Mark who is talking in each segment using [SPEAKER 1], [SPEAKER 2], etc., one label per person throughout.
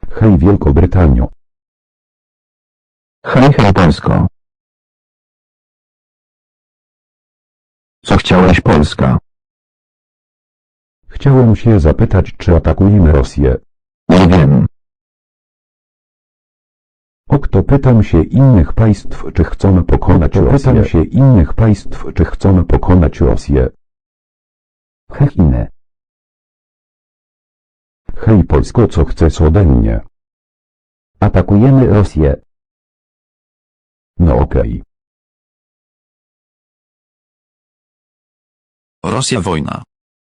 [SPEAKER 1] Hej Wielkobrytanio.
[SPEAKER 2] Hej, hej Polsko. Co chciałeś Polska?
[SPEAKER 1] Chciałem się zapytać, czy atakujemy Rosję.
[SPEAKER 2] Nie wiem.
[SPEAKER 1] Kto pytam się innych państw, czy chcą pokonać Rosję. Pytam się innych państw, czy chcą pokonać Rosję.
[SPEAKER 2] Chiny.
[SPEAKER 1] Hej Polsko, co chcesz ode mnie?
[SPEAKER 2] Atakujemy Rosję.
[SPEAKER 1] No okej.
[SPEAKER 3] Rosja wojna.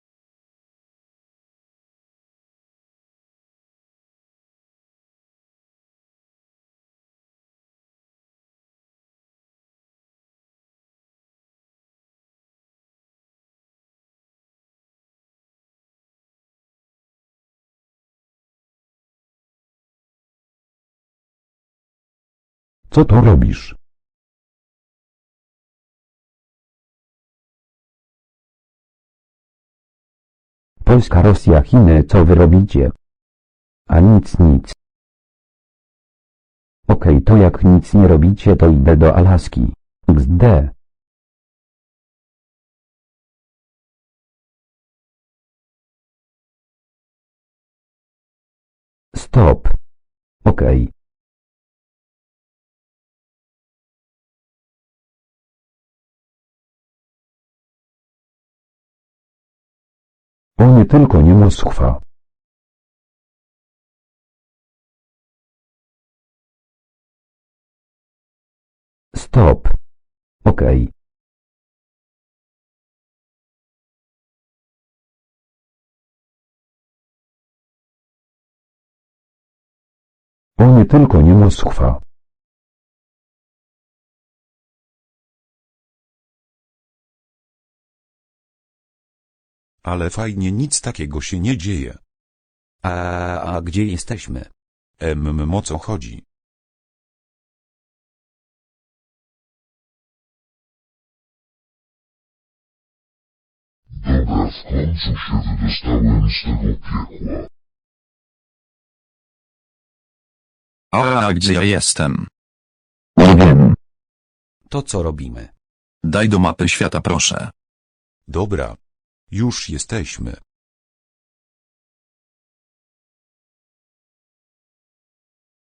[SPEAKER 1] Co to robisz?
[SPEAKER 2] Polska, Rosja, Chiny, co wy robicie? A nic, nic. Okej, to jak nic nie robicie, to idę do Alaski. XD. Stop. Okej.
[SPEAKER 1] O nie, tylko nie Moskwa.
[SPEAKER 2] Stop. Okej.
[SPEAKER 1] O nie, tylko nie Moskwa.
[SPEAKER 4] Ale fajnie, nic takiego się nie dzieje.
[SPEAKER 2] A gdzie jesteśmy?
[SPEAKER 4] O co chodzi?
[SPEAKER 5] Dobra, w końcu się wydostałem z tego piekła.
[SPEAKER 3] A gdzie ja jestem?
[SPEAKER 2] Nie wiem.
[SPEAKER 6] To co robimy?
[SPEAKER 3] Daj do mapy świata proszę.
[SPEAKER 4] Dobra. Już jesteśmy.